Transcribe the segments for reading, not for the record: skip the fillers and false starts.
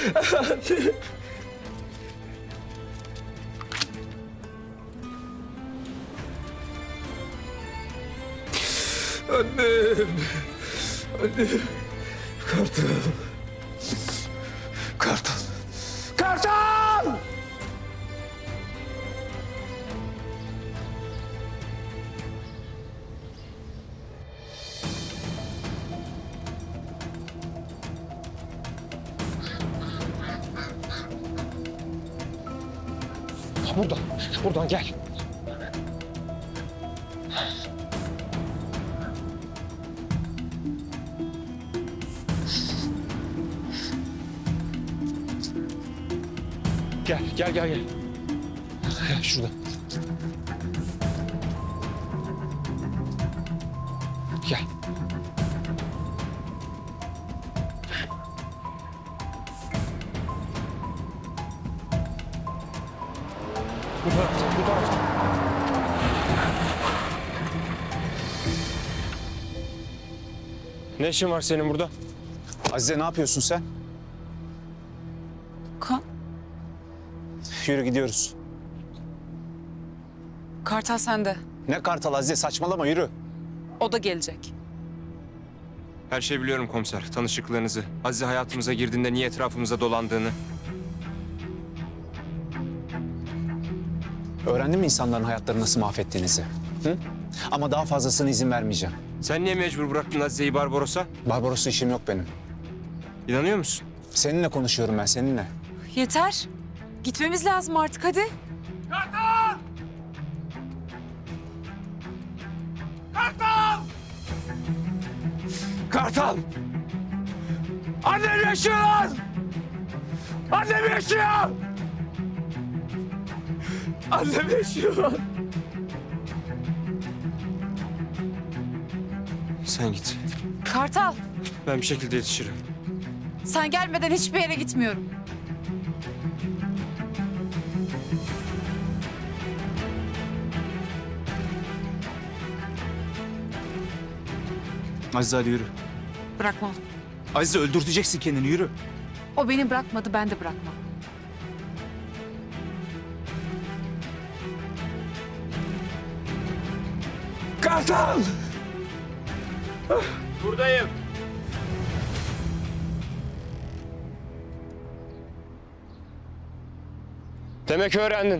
Annem. Annem. Kartal. Kartal. Kartal! Buradan gel. Gel. Gel şurada. Gel. Bu taraftan. Ne işin var senin burada? Azize ne yapıyorsun sen? Kan. Yürü gidiyoruz. Kartal sende. Ne Kartal Azize saçmalama yürü. O da gelecek. Her şeyi biliyorum komiser. Tanışıklığınızı, Azize hayatımıza girdiğinde niye etrafımıza dolandığını. Öğrendin mi insanların hayatlarını nasıl mahvettiğinizi? Hı? Ama daha fazlasına izin vermeyeceğim. Sen niye mecbur bıraktın Azize'yi Barbaros'a? Barbaros'la işim yok benim. İnanıyor musun? Seninle konuşuyorum ben seninle. Yeter. Gitmemiz lazım artık hadi. Kartal! Annem yaşıyor lan! Annem yaşıyor! Annem yaşıyor lan! Sen git. Kartal, Ben bir şekilde yetişirim. sen gelmeden hiçbir yere gitmiyorum. Azize hadi yürü. Bırakmam. Azize öldürteceksin kendini yürü. O beni bırakmadı, ben de bırakmam. Kartal! Buradayım. Demek öğrendin.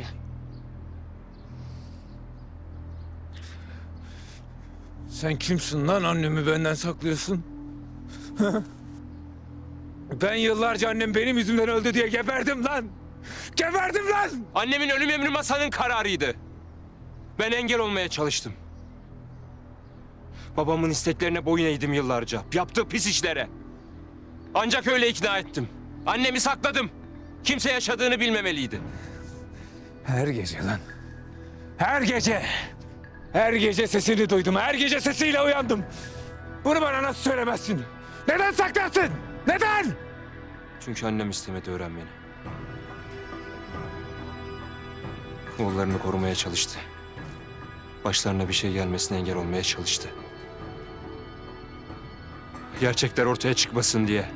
Sen kimsin lan annemi benden saklıyorsun? Ben yıllarca annem benim yüzümden öldü diye geberdim lan! Geberdim lan! Annemin ölüm emri masanın kararıydı. Ben engel olmaya çalıştım. Babamın isteklerine boyun eğdim yıllarca. Yaptığı pis işlere. Ancak öyle ikna ettim. Annemi sakladım. Kimse yaşadığını bilmemeliydi. Her gece lan. Her gece. Her gece sesini duydum. Her gece sesiyle uyandım. Bunu bana nasıl söylemezsin? Neden saklarsın? Neden? Çünkü annem istemedi öğrenmeni. Oğullarını korumaya çalıştı. Başlarına bir şey gelmesine engel olmaya çalıştı. Gerçekler ortaya çıkmasın diye.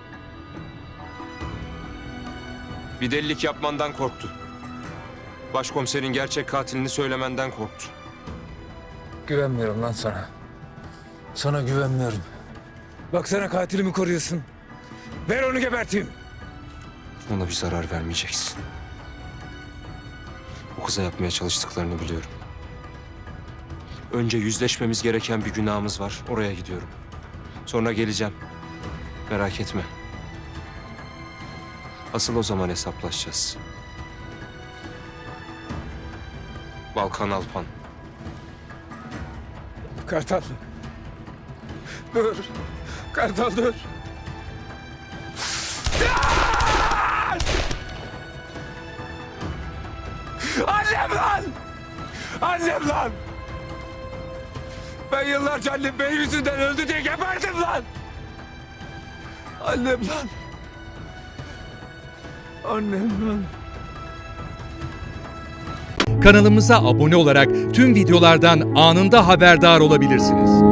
Bir delilik yapmandan korktu. Başkomiserin gerçek katilini söylemenden korktu. Güvenmiyorum lan sana. Sana güvenmiyorum. Baksana katilimi koruyorsun. Ver onu geberteyim. Ona bir zarar vermeyeceksin. O kıza yapmaya çalıştıklarını biliyorum. Önce yüzleşmemiz gereken bir günahımız var. Oraya gidiyorum. Sonra geleceğim. Merak etme. Asıl o zaman hesaplaşacağız. Balkan Alpan. Kartal. Dur. Kartal dur. Annem lan! Annem lan! Ben yıllarca annem benim yüzünden öldü diye geberdim lan! Annem lan! Annem lan! Kanalımıza abone olarak tüm videolardan anında haberdar olabilirsiniz.